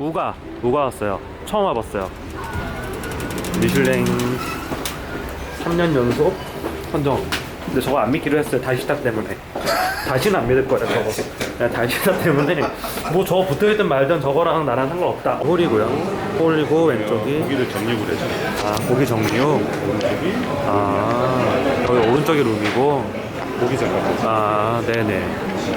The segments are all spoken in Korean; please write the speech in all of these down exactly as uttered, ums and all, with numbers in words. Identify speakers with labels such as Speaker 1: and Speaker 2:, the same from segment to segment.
Speaker 1: 우가 우가 왔어요. 처음 와봤어요. 미슐랭 삼 년 연속 선정. 근데 저거 안 믿기로 했어요. 다시다 때문에. 다시는 안 믿을 거야 저거. 그냥 다시다 때문에 뭐 저거 붙어있든 말든 저거랑 나랑 상관없다. 홀이고요. 홀이고 왼쪽이
Speaker 2: 고기를 정육을 해줘.
Speaker 1: 아 고기 정육.
Speaker 2: 오른쪽이
Speaker 1: 아 여기 오른쪽이 룸이고.
Speaker 2: 고기 잠깐.
Speaker 1: 아 네네.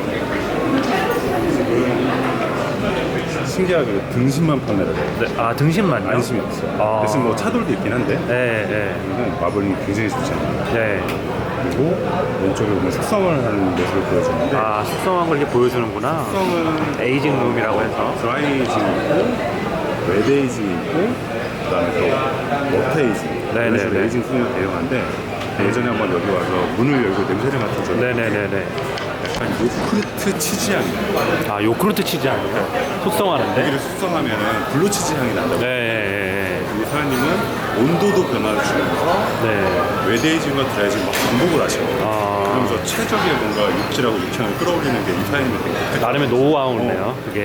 Speaker 2: 신기하게 등심만 판매를 해.
Speaker 1: 네, 아 등심만요?
Speaker 2: 안심이 없어.
Speaker 1: 아.
Speaker 2: 대신 뭐 차돌도 있긴 한데.
Speaker 1: 네, 네,
Speaker 2: 이건 마블링이 굉장히 좋잖아요.
Speaker 1: 네.
Speaker 2: 그리고 왼쪽에 보면 숙성을 하는 모습을 보여주는데.
Speaker 1: 아 숙성한 걸 이렇게 보여주는구나.
Speaker 2: 숙성은
Speaker 1: 에이징 룸이라고 해서.
Speaker 2: 드라이 에이징 있고, 웨드 에이징 있고, 그다음에 또 워터 에이징.
Speaker 1: 네네네.
Speaker 2: 그래서 에이징 순을 대용한데 예전에 한번 여기 와서 문을 열고 냄새를 맡았잖아요.
Speaker 1: 네네네네.
Speaker 2: 약간 요크루트 치즈 향이 나요.
Speaker 1: 아 요크루트 치즈 아니에요? 숙성하는데?
Speaker 2: 고기를 숙성하면은 블루 치즈 향이 난다고.
Speaker 1: 네,
Speaker 2: 이 사장님은 온도도 변화를 주면서
Speaker 1: 네.
Speaker 2: 웨드 에이징과 드라이 에이징 막 반복을 하셔.
Speaker 1: 아
Speaker 2: 그러면서 최적의 뭔가 육질하고 육향을 끌어올리는 게 이 사장님의 그
Speaker 1: 나름의 노하우네요. 그게.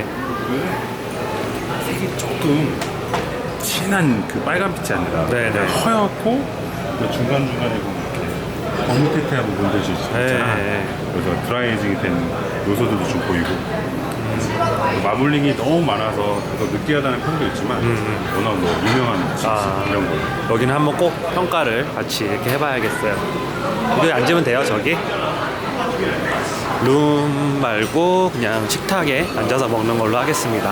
Speaker 2: 색이 조금 진한 그 빨간빛이 아니라
Speaker 1: 네네.
Speaker 2: 그냥 허옇고 중간 중간에 보면 이렇게 거뭇해하고 물들지 있잖아.
Speaker 1: 네.
Speaker 2: 그래서 드라이 에이징이 된 요소들도 좀 보이고. 마블링이 너무 많아서 그래서 느끼하다는 평도 있지만 워낙 뭐 유명한 치즈
Speaker 1: 아.
Speaker 2: 이런 거.
Speaker 1: 여기는 한번 꼭 평가를 같이 이렇게 해봐야겠어요. 여기 앉으면 돼요, 저기? 룸 말고 그냥 식탁에 앉아서 먹는 걸로 하겠습니다.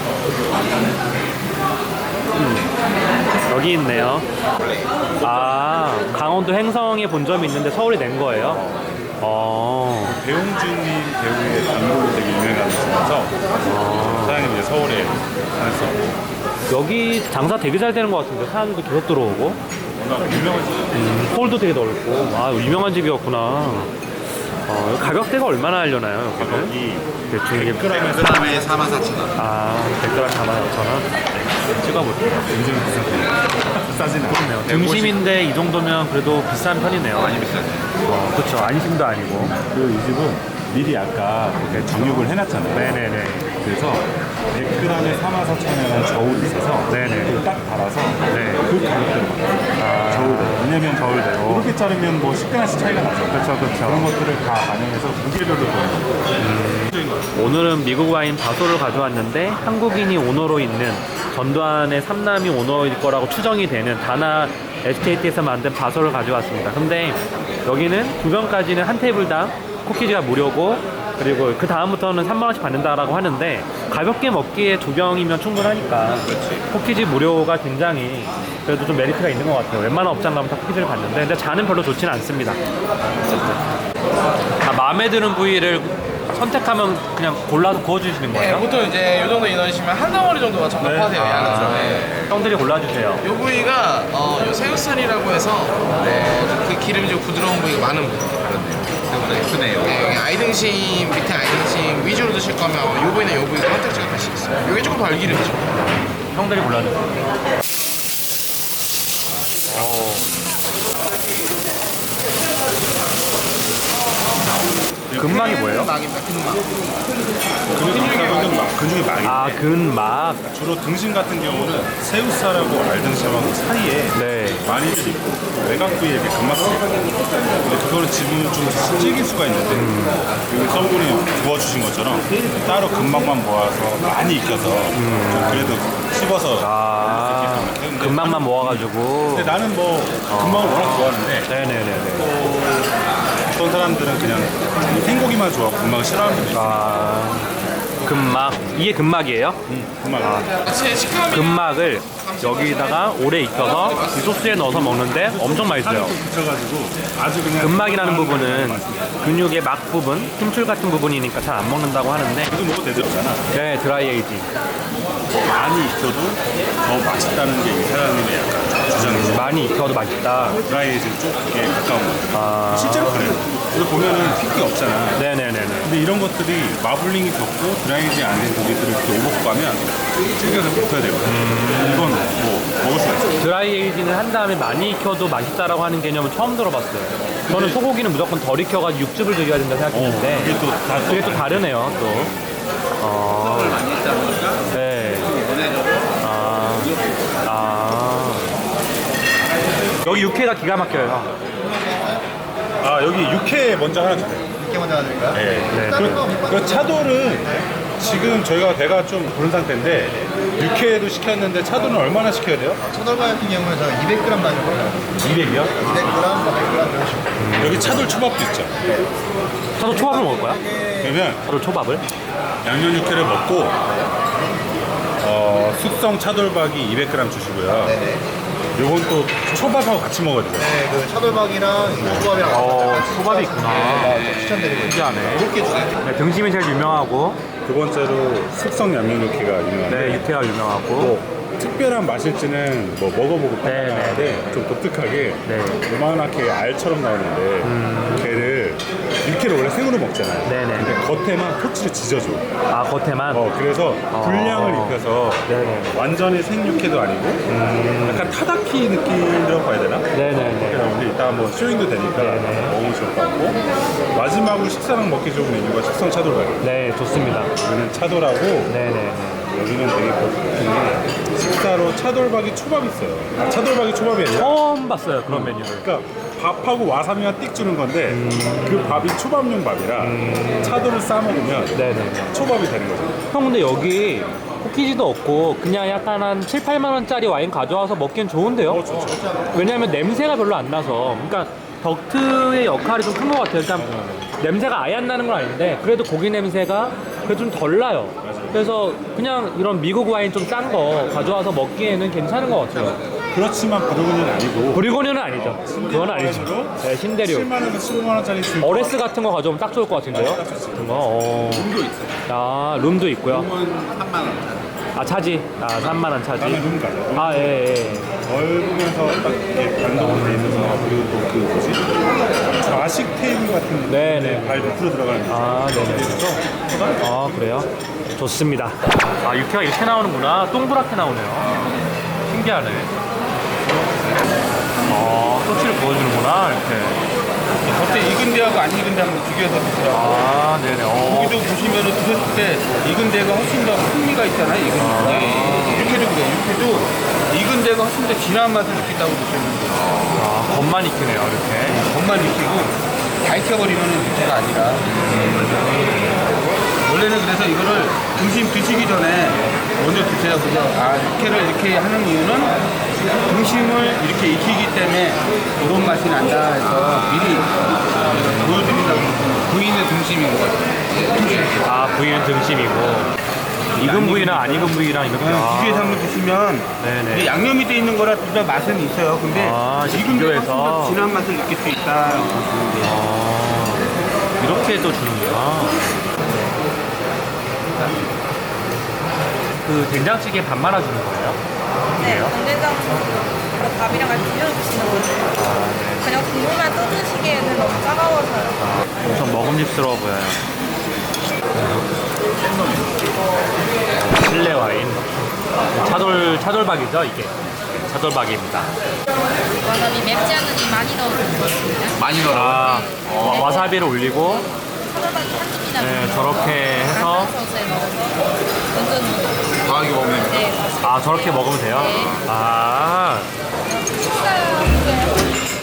Speaker 1: 음, 여기 있네요. 아, 강원도 행성에 본점이 있는데 서울에 낸 거예요? 어,
Speaker 2: 배용준님 배우의 단골로 되게 유명한 집에서 사장님 이제 서울에 사셨어.
Speaker 1: 여기 장사 되게 잘 되는 것 같은데 사람들도 계속 들어오고
Speaker 2: 워낙 유명한 집.
Speaker 1: 음, 홀도 되게 넓고 아 유명한 집이었구나. 어, 여기 가격대가 얼마나 하려나요 여기는?
Speaker 2: 가격이
Speaker 1: 대충 이게
Speaker 2: 그램에
Speaker 3: 백 그램에 사만 사천 원.
Speaker 1: 아 백 그램 사만 오천 원 찍어볼게요.
Speaker 2: 굉장히 비싼 편이에요.
Speaker 1: 비싸지는 그렇네요. 등심인데 이 정도면 그래도 비싼 편이네요.
Speaker 3: 많이 비싸죠.
Speaker 1: 어, 그쵸. 안심도 아니고.
Speaker 2: 그리고 이 집은 미리 아까 이렇게 정육을 해놨잖아요.
Speaker 1: 네네네.
Speaker 2: 그래서 백 그램에 사만 사천 원이라는 저울이 있어서
Speaker 1: 네네.
Speaker 2: 그걸 딱 달아서
Speaker 1: 네.
Speaker 2: 그 가격대로
Speaker 1: 아,
Speaker 2: 저울대로. 왜냐면
Speaker 1: 저울대로.
Speaker 2: 이렇게 자르면 뭐 십 그램씩 차이가 나죠.
Speaker 1: 그쵸, 그쵸.
Speaker 2: 그런 것들을 다 반영해서 무게별로 보는 거예요.
Speaker 1: 오늘은 미국 와인 바소를 가져왔는데 한국인이 오너로 있는 전두환의 삼남이 오너일 거라고 추정이 되는 다나 에스테이트에서 만든 바소를 가져왔습니다. 근데 여기는 두 병까지는 한 테이블당 쿠키즈가 무료고 그리고 그 다음부터는 삼만 원씩 받는다라고 하는데 가볍게 먹기에 두 병이면 충분하니까 쿠키즈 무료가 굉장히 그래도 좀 메리트가 있는 것 같아요. 웬만한 업장 가면 다 쿠키즈를 받는데 근데 잔은 별로 좋지는 않습니다. 아, 마음에 드는 부위를 선택하면 그냥 골라서 구워주시는
Speaker 4: 네,
Speaker 1: 거예요?
Speaker 4: 보통 이제 이 정도 인원이시면 한 덩어리 정도가 적합하세요.
Speaker 1: 아,
Speaker 4: 양은. 네.
Speaker 1: 형들이 골라주세요.
Speaker 4: 이 부위가 어, 요 새우살이라고 해서 어, 그 기름이 좀 부드러운 부위가 많은 부위. 그렇네요. 생각보다 예쁘네요. 네, 여기 아이등심 밑에 아이등심 위주로 드실 거면 이 부위나 이 부위가 선택지가 다시 있어요. 이게 조금 덜 기름이죠.
Speaker 1: 형들이 골라주세요. 근막이 뭐예요?
Speaker 4: 막입니다. 근막.
Speaker 2: 근육이 근육이 막이.
Speaker 1: 아, 근막.
Speaker 2: 주로 등심 같은 경우는 새우살하고 알등심하고 사이에
Speaker 1: 네.
Speaker 2: 많이들 있고 외곽 부위에 이렇게 근막이 있거든요. 근데 그거를 집으면 좀 질길 수가 있는데 여기 서울이 구워주신 것처럼 따로 근막만 모아서 많이 익혀서 좀 그래도 씹어서
Speaker 1: 아,
Speaker 2: 근데
Speaker 1: 근막만 모아가지고.
Speaker 2: 근데 나는 뭐 근막을 워낙 좋아하는데
Speaker 1: 네네네네.
Speaker 2: 어떤 사람들은 그냥 생고기만 좋아하고 근막을 싫어하는 분도 있어요.
Speaker 1: 아, 근막. 이게 근막이에요?
Speaker 2: 근막.
Speaker 4: 제 식감이
Speaker 1: 근막을 여기다가 오래 익혀서 이 소스에 넣어서 먹는데 엄청 맛있어요.
Speaker 2: 붙여가지고 아주 그냥
Speaker 1: 근막이라는 부분은 근육의 막 부분, 힘줄 같은 부분이니까 잘 안 먹는다고 하는데
Speaker 2: 그래도 먹어도 되잖아.
Speaker 1: 네, 드라이 에이징.
Speaker 2: 많이 익혀도 더 맛있다는 게 이 사장님의 약간 주장이죠.
Speaker 1: 많이 익혀도 맛있다.
Speaker 2: 드라이에이징 쪽에 가까운 거.
Speaker 1: 아,
Speaker 2: 실제로 그래요. 그래서 보면은 핏기 없잖아.
Speaker 1: 네네네네.
Speaker 2: 근데 이런 것들이 마블링이 겹고 드라이에이징 안 된 고기들을 이렇게 오버가면 질겨서 붙어야 되거든. 이건 뭐 먹을 수가 있어.
Speaker 1: 드라이 에이징을 한 다음에 많이 익혀도 맛있다라고 하는 개념은 처음 들어봤어요. 저는 소고기는 무조건 덜 익혀가지고 육즙을 즐겨야 된다 생각했는데
Speaker 2: 그게 또 다
Speaker 1: 그게 또 다르네요 또. 어, 네. 아. 여기 육회가 기가 막혀요.
Speaker 2: 아 여기 육회 먼저 하나 주세요.
Speaker 3: 이렇게 먼저 드릴까요?
Speaker 2: 네.
Speaker 1: 네.
Speaker 2: 그, 그 차돌은 지금 저희가 배가 좀 부른 상태인데 육회도 시켰는데 차돌은 얼마나 시켜야 돼요?
Speaker 3: 차돌바 같은 경우는 저는 이백 그램 단위로
Speaker 2: 이백이요?
Speaker 3: 이백 그램, 사백 그램 이런 식으로.
Speaker 2: 여기 차돌 초밥도 있죠.
Speaker 1: 저도 초밥을 먹을 거야?
Speaker 2: 그러면
Speaker 1: 저도 초밥을?
Speaker 2: 양념 육회를 먹고 어, 숙성 차돌박이 이백 그램 주시고요.
Speaker 3: 네네.
Speaker 2: 요건 또 초밥하고 같이 먹어야 돼요.
Speaker 3: 네, 그 차돌박이랑 초밥이랑
Speaker 1: 어,
Speaker 3: 같이
Speaker 1: 초밥이
Speaker 3: 식사해서
Speaker 1: 있구나.
Speaker 3: 네, 또 추천드리고 있어요.
Speaker 1: 신기하네.
Speaker 3: 이렇게 주세요.
Speaker 1: 네, 등심이 제일 유명하고,
Speaker 2: 두 번째로 숙성 양념 육회가 유명한데
Speaker 1: 네, 육회가 유명하고,
Speaker 2: 뭐 특별한 맛일지는 뭐 먹어보고
Speaker 1: 네,
Speaker 2: 판단하는데
Speaker 1: 네.
Speaker 2: 좀 독특하게
Speaker 1: 네.
Speaker 2: 요만하게 알처럼 나오는데 걔를 육회를 원래 생으로 먹잖아요.
Speaker 1: 네, 네.
Speaker 2: 근데 겉에만 토치를 지져줘.
Speaker 1: 아, 겉에만?
Speaker 2: 어 그래서 분량을 입혀서
Speaker 1: 네네.
Speaker 2: 완전히 생육회도 아니고 약간 타다키 느낌이라고 봐야 되나?
Speaker 1: 네네네.
Speaker 2: 그래서 우리 이따 한번 쇼잉도 되니까
Speaker 1: 네네.
Speaker 2: 먹으면 좋을 것 같고 마지막으로 식사랑 먹기 좋은 메뉴가 숙성 차돌박이.
Speaker 1: 네, 좋습니다.
Speaker 2: 여기는 차돌하고
Speaker 1: 네네.
Speaker 2: 여기는 되게 독특한 게 식사로 차돌박이 초밥이 있어요. 아, 차돌박이 초밥이 아니라
Speaker 1: 처음 봤어요, 그런 메뉴를.
Speaker 2: 그러니까 밥하고 와사비만 띡 주는 건데 그 밥이 초밥용 밥이라 차돌을 싸 먹으면
Speaker 1: 네네.
Speaker 2: 초밥이 되는 거죠.
Speaker 1: 형, 근데 여기 코키지도 없고, 그냥 약간 한 칠, 팔만 원짜리 와인 가져와서 먹기엔 좋은데요?
Speaker 2: 어, 좋죠.
Speaker 1: 왜냐면 냄새가 별로 안 나서. 그러니까 덕트의 역할이 좀 큰 것 같아요. 일단 냄새가 아예 안 나는 건 아닌데 그래도 고기 냄새가 그래도 좀 덜 나요. 그래서 그냥 이런 미국 와인 좀 싼 거 가져와서 먹기에는 괜찮은 것 같아요.
Speaker 2: 그렇지만 브루그는 아니고
Speaker 1: 브리고뉴는 아니죠. 그건 아니죠. 네, 신대륙.
Speaker 2: 칠만 원에서 십오만 원짜리 줄
Speaker 1: 어레스 같은 거 가져오면 딱 좋을 것 같은데요? 같은 거. 어. 룸도 있어요. 아, 룸도 있고요.
Speaker 3: 삼만 원.
Speaker 1: 아, 차지. 아, 삼만 원 차지.
Speaker 2: 나는 룸 가죠.
Speaker 1: 아, 예, 예.
Speaker 2: 넓으면서 딱 이렇게 반동으로 돼 있어서 그리고 또 그 뭐지? 좌식 테이블 같은
Speaker 1: 네네.
Speaker 2: 발 밑으로 들어가는 거.
Speaker 1: 아, 네네. 아, 그래요? 좋습니다. 아, 육회가 이렇게 나오는구나. 동그랗게 나오네요. 신기하네. 아, 토치를 부어주는구나, 이렇게.
Speaker 5: 겉에 익은 데하고 안 익은 데 한번 비교해서 드시라고.
Speaker 1: 아, 네네. 어.
Speaker 5: 고기도 보시면은 드셨을 때 익은 데가 훨씬 더 풍미가 있잖아요. 익은 데. 육회도 그래요. 육회도 익은 데가 훨씬 더 진한 맛을 느낀다고 드시면 돼요.
Speaker 1: 아, 겉만 익히네요, 이렇게.
Speaker 5: 겉만 익히고 다 익혀버리면 육회가 아니라. 원래는 그래서 이거를 등심 드시기 전에 먼저 드세요. 그래서 아 육회를 이렇게 하는 이유는 등심을 이렇게 익히기 때문에 이런 맛이 난다 해서 미리 보여드린다고. 부위는 등심인 것 같아요.
Speaker 1: 아, 부위는 등심이고. 익은 부위랑 안 익은 부위랑 이렇게. 아.
Speaker 5: 비교해서 한번 드시면
Speaker 1: 네네.
Speaker 5: 이게 양념이 돼 있는 거라 둘 다 맛은 있어요. 근데
Speaker 1: 아, 이제
Speaker 5: 익은 데가 훨씬
Speaker 1: 비교해서.
Speaker 5: 더 진한 맛을 느낄 수 있다.
Speaker 1: 아, 이렇게 또 주는구나. 그 된장찌개 밥 말아주는 거예요?
Speaker 6: 네, 간장장 밥이랑 같이 비벼 드시는 거예요. 그냥 국물만 떠드시기에는 너무 차가워서요.
Speaker 1: 엄청 먹음직스러워 보여요. 실내 와인. 차돌, 차돌박이죠, 이게. 차돌박이입니다.
Speaker 6: 와사비 맵지 않으니 많이 넣어주는 거습니다
Speaker 5: 많이 넣어.
Speaker 1: 아, 와- 와사비를 올리고,
Speaker 6: 차돌박이 한 입이나
Speaker 1: 네, 저렇게 해서,
Speaker 6: 소스에 넣어서 얹어놓는
Speaker 5: 아 이거 먹으면
Speaker 6: 네,
Speaker 1: 아, 저렇게 먹으면 돼요?
Speaker 6: 네.
Speaker 1: 아,
Speaker 6: 식사하고요.